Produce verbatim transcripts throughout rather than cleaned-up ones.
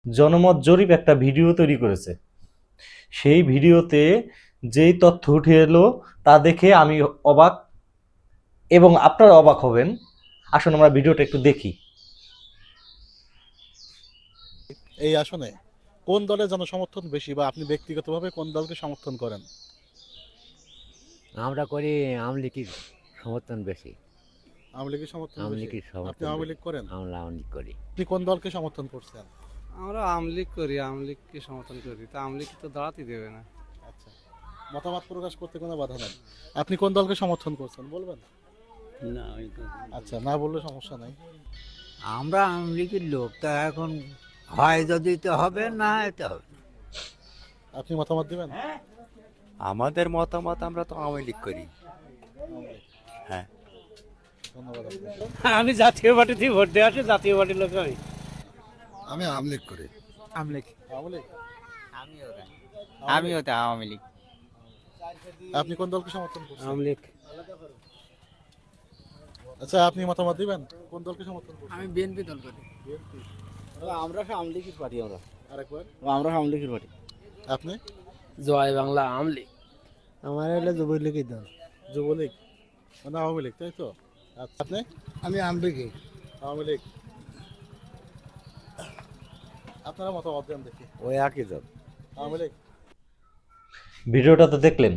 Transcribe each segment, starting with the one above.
জনমত জরিপ একটা ভিডিও তৈরি করেছে। সেই ভিডিওতে যেই তথ্য উঠে এলো তা দেখে আমি অবাক, এবং আপনারা অবাক হবেন। আসুন আমরা ভিডিওটা একটু দেখি। এই আসনে কোন দলের জনসমর্থন বেশি, বা আপনি ব্যক্তিগতভাবে কোন দলকে সমর্থন করেন? আমরা করি আওয়ামী লীগের সমর্থন বেশি। আওয়ামী লীগের সমর্থন আওয়ামী বেশি। লীগের আপনি সমর্থন আওয়ামী বেশি। লীগ করেন? আমরা আওয়ামী লীগ করি। আপনি কোন দলকে সমর্থন করছেন? আমরা আওয়ামী লীগ করি, আওয়ামী লীগকে সমর্থন করি। তা আওয়ামী লীগ তো দাঁড়াতেই দেবে না। আচ্ছা, মতামত প্রকাশ করতে কোনো বাধা নেই। আপনি কোন দলকে সমর্থন করছেন বলবেন? না, আচ্ছা, না বললে সমস্যা নাই। আমরা আওয়ামী লীগের লোক, তা এখন হয় যদি তো হবে, না এতে হবে না। আপনি মতামত দিবেন? আমাদের মতামত, আমরা তো আওয়ামী লীগ করি। হ্যাঁ, ধন্যবাদ আপনাকে। আমি জাতীয় পার্টিতে ভোট দিয়ে আসি, জাতীয় পার্টির লোক আমি। আমি আওয়ামী লীগ করি। আওয়ামী লীগ। আওয়ামী লীগ? আমিও তো আওয়ামী লীগ। আপনি কোন দলকে সমর্থন করছেন? আওয়ামী লীগ। আচ্ছা, আপনি মতামত দিবেন কোন দলকে সমর্থন করছেন? আমি বিএনপি দল করি। বিএনপি। আমরা আওয়ামী লীগের পার্টি। আমরা আরেকবার? আমরা আওয়ামী লীগের পার্টি। আপনি? জয় বাংলা আওয়ামী লীগ। আমার হলো যুবলীগের দল। যুবলীগ মানে আওয়ামী লীগ, তাই তো? আচ্ছা, আপনি? আমি আওয়ামী লীগই। আওয়ামী লীগ। আপনারা মতামত দেন দেখি। ওই একই দল। আওয়ামী লীগ। ভিডিওটা তো দেখলেন।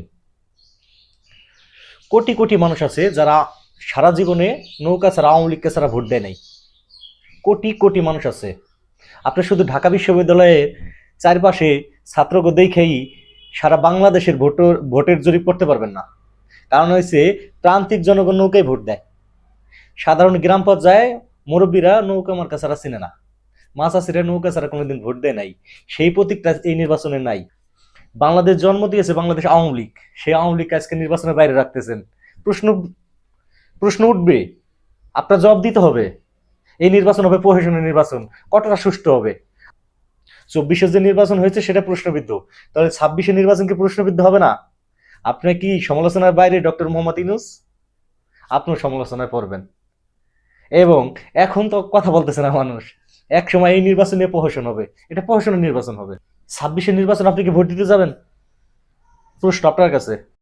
কোটি কোটি মানুষ আছে যারা সারা জীবনে নৌকা ছাড়া, আওয়ামী লীগকে ছাড়া ভোট দেয় নাই। কোটি কোটি মানুষ আছে। আপনি শুধু ঢাকা বিশ্ববিদ্যালয়ের চারপাশে ছাত্রকে দেখেই সারা বাংলাদেশের ভোটের ভোটের জরিপ করতে পারবেন না। কারণ হয়েছে, প্রান্তিক জনগণ নৌকায় ভোট দেয়। সাধারণ গ্রাম পর্যায়ে মুরব্বীরা নৌকা মার্কা ছাড়া চিনে না। মাছাসিরা নৌকা ছাড়া কোনোদিন ভোট দেয় নাই। সেই প্রতীকটা এই নির্বাচনে নাই। বাংলাদেশ জন্ম দিয়েছে বাংলাদেশ আওয়ামী লীগ, সেই আওয়ামী লীগ আজকে নির্বাচনের বাইরে রাখতেছেন। প্রশ্ন প্রশ্ন উঠবে, আপনার জবাব দিতে হবে। এই নির্বাচন হবে প্রশাসনের নির্বাচন, কতটা সুষ্ঠু হবে? চব্বিশে যে নির্বাচন হয়েছে সেটা প্রশ্নবিদ্ধ, তাহলে ছাব্বিশে নির্বাচন কি প্রশ্নবিদ্ধ হবে না? আপনি কি সমালোচনার বাইরে ডক্টর মোহাম্মদ ইউনূস? আপনিও সমালোচনায় পড়বেন। এবং এখন তো কথা বলতেছে না মানুষ, এক সময় এই নির্বাচন নিয়ে প্রহসন হবে, এটা প্রহসনের নির্বাচন হবে। ছাব্বিশের নির্বাচন আপনি কি ভোট দিতে যাবেন? প্রশ্ন আপনার কাছে।